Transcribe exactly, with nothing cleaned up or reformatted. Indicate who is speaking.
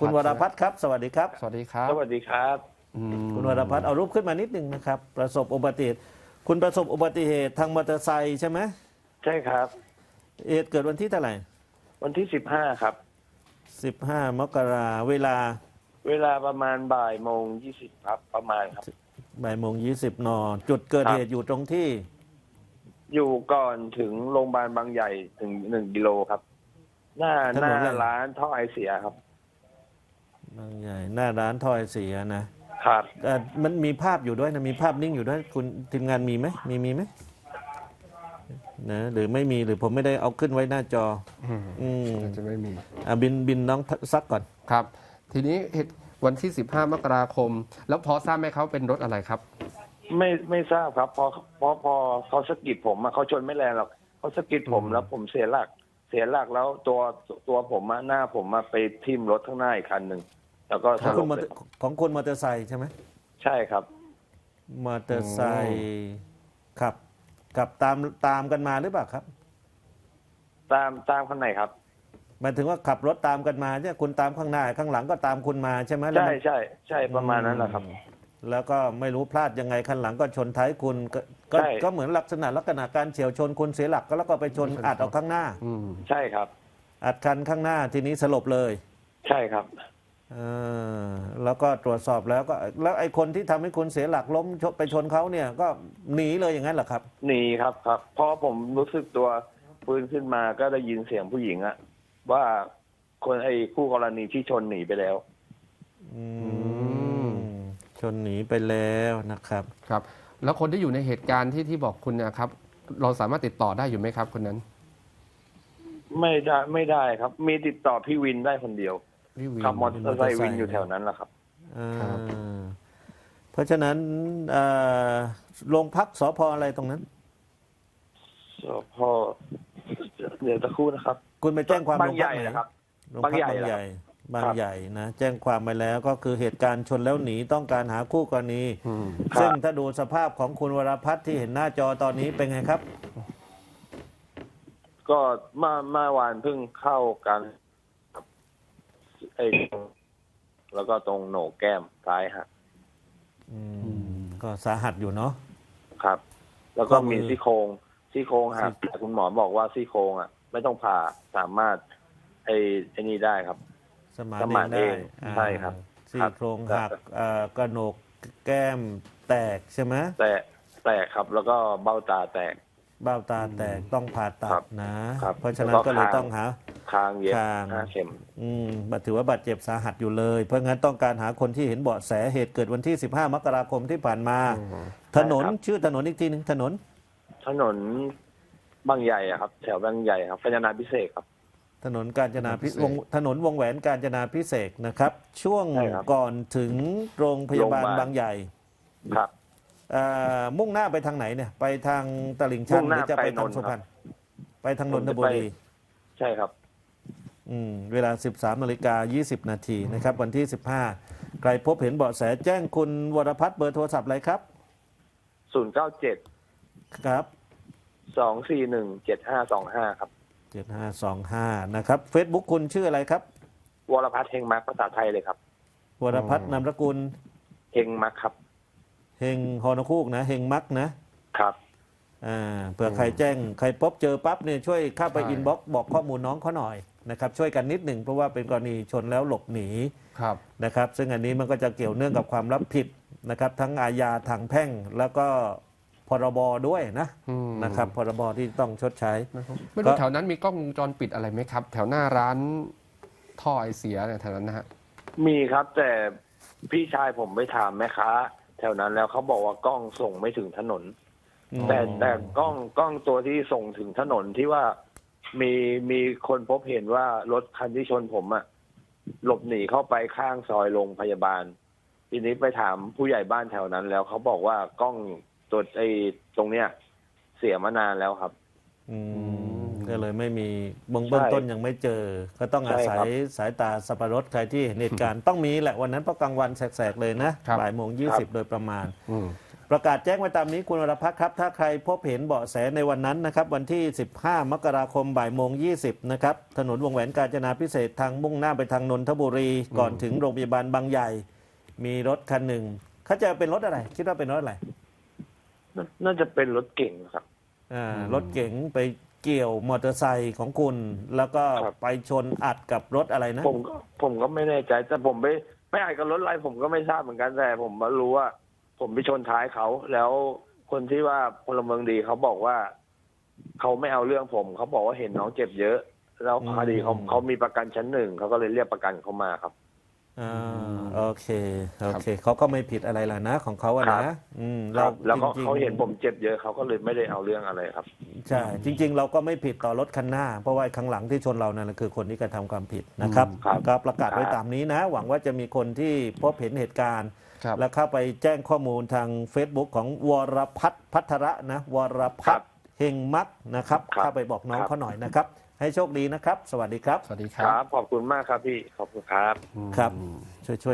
Speaker 1: คุณวรพัฒน์ครับสวัสดีครับ
Speaker 2: สวัสดีครับ
Speaker 3: สวัสดีครับ
Speaker 2: อืม
Speaker 1: คุณวรพัฒน์เอารูปขึ้นมานิดหนึ่งนะครับประสบอุบัติเหตุคุณประสบอุบัติเหตุทางมอเตอร์ไซค์ใช่ไหม
Speaker 3: ใช่ครับ
Speaker 1: เหตุเกิดวันที่เท่าไหร่
Speaker 3: วันที่สิบห้าครับ
Speaker 1: สิบห้ามกราเวลา
Speaker 3: เวลาประมาณบ่ายโมงยี่สิบครับประมาณครับ
Speaker 1: บ่ายโมงยี่สิบนจุดเกิด
Speaker 3: ครับ
Speaker 1: เหตุอยู่ตรงที่
Speaker 3: อยู่ก่อนถึงโรงพยาบาลบางใหญ่ถึงหนึ่งกิโลครับ หน้าหน้าร้านท่อไอเสียครับ
Speaker 1: บางใหญ่หน้าร้านถ้อยเสียนะครับแต่มันมีภาพอยู่ด้วยนะมีภาพนิ่งอยู่ด้วยคุณทีมงานมีไหมมีมีไหมนะหรือไม่มีหรือผมไม่ได้เอาขึ้นไว้หน้าจอ
Speaker 2: อืม
Speaker 1: อืม
Speaker 2: อาจจะไม่มี
Speaker 1: อ่ะบินบินน้องซักก่อน
Speaker 2: ครับ ทีนี้เหตุวันที่ สิบห้ามกราคม แล้วพอทราบไหมเขาเป็นรถอะไรครับ
Speaker 3: ไม่ไม่ทราบครับพอพอพอเขาสะกิดผมอะเขาชนไม่แรงหรอกเขาสะกิดผมแล้วผมเสียหลัก เสียหลักแล้วตัวตัวผมอะหน้าผมอะไปทิ่มรถข้างหน้าอีกคันหนึ่งแล้วก็
Speaker 1: ข
Speaker 3: ส
Speaker 1: อง
Speaker 3: ล
Speaker 1: คุณ
Speaker 3: บ
Speaker 1: มอ
Speaker 3: เล
Speaker 1: เตอย ร์ของคุณมอเตอร์ไซค์ใช่ไหม
Speaker 3: ใช่ครับ
Speaker 1: มอเตอร์ไซค์ขับขับตามตามกันมาหรือเปล่าครับ
Speaker 3: ตามตามคันไหนครับ
Speaker 1: หมายถึงว่าขับรถตามกันมาใช่คุณตามข้างหน้าข้างหลังก็ตามคุณมาใช่ไหมแล้ว
Speaker 3: ใช่
Speaker 1: มัน
Speaker 3: ใช่ใช่ประมาณนั้นแหละครับ
Speaker 1: แล้วก็ไม่รู้พลาดยังไงข้างหลังก็ชนท้ายคุณก็ก็
Speaker 3: ใช่
Speaker 1: ก็เหมือนลักษณะลักษณะการเฉียวชนคุณเสียหลักก็แล้วก็ไปชนอัดออกข้างหน้า
Speaker 2: อืม
Speaker 3: ใช่ครับ
Speaker 1: อัดคันข้างหน้าทีนี้สลบเลย
Speaker 3: ใช่ครับ
Speaker 1: เออแล้วก็ตรวจสอบแล้วก็แล้วไอ้คนที่ทำให้คุณเสียหลักล้มชนไปชนเขาเนี่ยก็หนีเลยอย่างนั้นเหรอครับ
Speaker 3: หนีครับครับเพราะผมรู้สึกตัวฟื้นขึ้นมาก็ได้ยินเสียงผู้หญิงอะว่าคนไอ้คู่กรณีที่ชนหนีไปแล้ว
Speaker 1: อืมชนหนีไปแล้วนะครับ
Speaker 2: ครับ แล้วคนที่อยู่ในเหตุการณ์ที่ที่บอกคุณเนะครับ เราสามารถติดต่อได้อยู่ไหมครับคนนั้น
Speaker 3: ไม่ได้ไม่ได้ครับ มีติดต่อพี่วินได้คนเดียว
Speaker 2: พี่วิน
Speaker 3: ขับมอเตอร์ไซค์วินอยู่แถวนั้นแหละครับ
Speaker 1: อ่า
Speaker 2: ครับ
Speaker 1: เพราะฉะนั้นเอ่อโรงพักสพอะไรตรงนั้น
Speaker 3: สพเดี๋ยวจะครู่นะครับ
Speaker 1: คุณไปแจ้งความ
Speaker 3: บาง
Speaker 1: โร
Speaker 3: ใหญ่
Speaker 1: พักไน
Speaker 3: นะครับ
Speaker 1: โรงพัก
Speaker 3: บางใหญ่
Speaker 1: บางใหญ่
Speaker 3: ครับ
Speaker 1: บางใหญ่นะแจ้งความไปแล้วก็คือเหตุการณ์ชนแล้วหนีต้องการหาคู่กรณี
Speaker 2: อืม
Speaker 3: ครับ
Speaker 1: ซึ่งถ้าดูสภาพของคุณวรพัฒน์ที่เห็นหน้าจอตอนนี้เป็นไงครับ
Speaker 3: ก็เมื่อเมื่อวานเพิ่งเข้ากันครับไอ้แล้วก็ตรงโหนกแก้มซ้ายหัก
Speaker 1: อืมก็สาหัสอยู่เนาะ
Speaker 3: ครับ แล้วก็
Speaker 1: ข้อมือ
Speaker 3: มีซี่โครงซี่โครงหัก
Speaker 1: ซี่
Speaker 3: แต่คุณหมอบอกว่าซี่โครงอ่ะ ไม่ต้องผ่าสามารถไอ้ไอ้นี่ได้ครับ
Speaker 1: สมาน
Speaker 3: สมาน
Speaker 1: เองได้
Speaker 3: เองใช่ครับ
Speaker 1: ซี่
Speaker 3: ครับ
Speaker 1: โครงหักเอ่อกระโหนกแก้มแตกใช่ไหม
Speaker 3: แต่แตกครับ แล้วก็เบ้าตาแตก
Speaker 1: เบ้าตาแตกต้องผ่าตั
Speaker 3: ครั
Speaker 1: ด
Speaker 3: บ
Speaker 1: นะ
Speaker 3: ครับ
Speaker 1: เพราะฉะนั้น
Speaker 3: แล้วก็
Speaker 1: ก็เลย
Speaker 3: คาง
Speaker 1: ต้องหา
Speaker 3: คางเย็บ
Speaker 1: คาง
Speaker 3: ห้าเข็ม
Speaker 1: อืมถือว่าบาดเจ็บสาหัสอยู่เลย เพราะงั้นต้องการหาคนที่เห็นเบาะแสเหตุเกิดวันที่ สิบห้ามกราคมที่ผ่านมา ถนน
Speaker 3: ใช่ครับ
Speaker 1: ชื่อถนนอีกทีหนึ่งถนน
Speaker 3: ถนนบางใหญ่อะครับ แถวบางใหญ่ครับกัญญาณพิเศษกครับ
Speaker 1: ถนนกาญจนาพิ
Speaker 2: พิเศษ
Speaker 1: วงถนนวงแหวนกาญจนาพิเศษกนะครับ ช่วง
Speaker 3: ใช่ครับ
Speaker 1: ก่อนถึงโรงพยาบาล
Speaker 3: โรงพยาบาล
Speaker 1: บางใหญ่
Speaker 3: ครับ
Speaker 1: เอ่อมุ่งหน้าไปทางไหนเนี่ย ไปทางตลิ่งชัน
Speaker 3: มุ่ง
Speaker 1: ห
Speaker 3: หน้า
Speaker 1: รือจะไป
Speaker 3: ไป
Speaker 1: ทาง
Speaker 3: นนท์
Speaker 1: สุพรรณไปทางน
Speaker 3: ผม
Speaker 1: น
Speaker 3: จะ
Speaker 1: ทบุ
Speaker 3: ไป
Speaker 1: รี
Speaker 3: ใช่ครับ
Speaker 1: อืมเวลา สิบสามนาฬิกายี่สิบนาทีนะครับ วันที่ สิบห้าใครพบเห็นเบาะแสแจ้งคุณวรพัฒน์เบอร์โทรศัพท์อะไรครับ
Speaker 3: ศูนย์เก้าเจ็ด
Speaker 1: ครับ
Speaker 3: สองสี่หนึ่งเจ็ดห้าสองห้าครับ
Speaker 1: เจ็ดห้าสองห้านะครับ Facebook คุณชื่ออะไรครับ
Speaker 3: วรพัฒน์เฮงมักภาษาไทยเลยครับ
Speaker 1: วรพัฒน์นามสกุล
Speaker 3: เฮงมักครับ
Speaker 1: เฮงฮอนคูกนะเฮงมักนะครับ อ่าเผื่อใครแจ้งใครพบเจอปั๊บเนี่ยช่วยเข้าไป
Speaker 2: ใช่
Speaker 1: อินบ็อกซ์บอกข้อมูลน้องเขาหน่อยนะครับช่วยกันนิดหนึ่งเพราะว่าเป็นกรณีชนแล้วหลบหนี
Speaker 2: ครับ
Speaker 1: นะครับซึ่งอันนี้มันก็จะเกี่ยวเนื่องกับความรับผิดนะครับทั้งอาญาทางแพ่งแล้วก็พรบด้วยนะ
Speaker 2: อืม
Speaker 1: นะครับพรบที่ต้องชดใช้
Speaker 2: ไม่รู้แถวนั้นมีกล้องวงจรปิดอะไรไหมครับ แถวหน้าร้านท่อไอเสียเนี่ยแถวนั้นนะฮะ
Speaker 3: มีครับ แต่พี่ชายผมไปถามแม่ค้า แถวนั้นแล้วเขาบอกว่ากล้องส่งไม่ถึงถนน
Speaker 1: อืม
Speaker 3: แต่แต่กล้องกล้องตัวที่ส่งถึงถนนที่ว่ามีมีคนพบเห็นว่ารถคันที่ชนผมอะหลบหนีเข้าไปข้างซอยโรงพยาบาล ทีนี้ไปถามผู้ใหญ่บ้านแถวนั้นแล้วเขาบอกว่ากล้องตัวไอ้ตรงเนี้ย เสียมานานแล้วครับ
Speaker 1: อืมก็เลยไม่มีเบื้องเบื้องต้นยังไม่เจอ ก็ต้องอาศัย
Speaker 3: ใช่ครับ
Speaker 1: สายตาสับปะรดใครที่เห็นเหตุการณ์ต้องมีแหละวันนั้นเพราะกลางวันแสกๆเลยนะครับ บ่ายโมงยี่สิบโดยประมาณ
Speaker 2: อืม
Speaker 1: ประกาศแจ้งไว้ตามนี้คุณวรพัฒน์ครับถ้าใครพบเห็นเบาะแสในวันนั้นนะครับวันที่สิบห้ามกราคมบ่ายโมงยี่สิบนะครับถนนวงแหวนกาญจนาพิเศษกทางมุ่งหน้าไปทางนนทบุรีก่อนถึงโรงพยาบาลบางใหญ่มีรถคันหนึ่งเขาจะเป็นรถอะไรคิดว่าเป็นรถอะไร
Speaker 3: น่าน่าจะเป็นรถเก่งครับ
Speaker 1: อ่ารถเก๋งไปเกี่ยวมอเตอร์ไซค์ของคุณ แล้วก็
Speaker 3: ครับ
Speaker 1: ไปชนอัดกับรถอะไรนะ
Speaker 3: ผมก็ผมก็ไม่แน่ใจ แต่ผมไม่ไม่อาจกับรถอะไรผมก็ไม่ทราบเหมือนกันแต่ผมมารู้ว่า ผมไปชนท้ายเขา แล้วคนที่ว่าพลเมืองดีเขาบอกว่าเขาไม่เอาเรื่องผมเขาบอกว่าเห็นน้องเจ็บเยอะ แล้วคดีเขาเขามีประกันชั้นหนึ่งเขาก็เลยเรียกประกันเขามาครับ
Speaker 1: อ่าโอเคโอเคเขาก็ไม่ผิดอะไรล่ะนะของเขาอะ
Speaker 3: ครั
Speaker 1: นะ
Speaker 3: บ
Speaker 1: อืม
Speaker 3: ครับ แล้วก็
Speaker 1: จริงๆ
Speaker 3: เขาเห็นผมเจ็บเยอะเขาก็เลยไม่ได้เอาเรื่องอะไรครับ
Speaker 1: ใช่จริง ๆ เราก็ไม่ผิดต่อรถคันหน้า เพราะว่าข้างหลังที่ชนเรานั่นแหละคือคนที่กระทำความผิดนะครับ
Speaker 3: ครับ
Speaker 1: ก็ประกาศไว้
Speaker 3: ครับ
Speaker 1: ตามนี้นะ หวังว่าจะมีคนที่พบเห็นเหตุการณ์
Speaker 2: ครับ
Speaker 1: แล้วเข้าไปแจ้งข้อมูลทาง Facebook ของวรพัฒน์พัทระนะวรพัฒน์เฮงมักนะครับ
Speaker 3: ครับ
Speaker 1: เข้าไปบอกน้อง
Speaker 3: ครับ
Speaker 1: เขาหน่อยนะครับ ให้โชคดีนะครับ สวัสดีครับ
Speaker 2: สวัสดีค
Speaker 3: ค
Speaker 2: รั
Speaker 3: รับ บขอบคุณมากครับพี่ขอบคุณครับ
Speaker 1: ครับช่วยๆ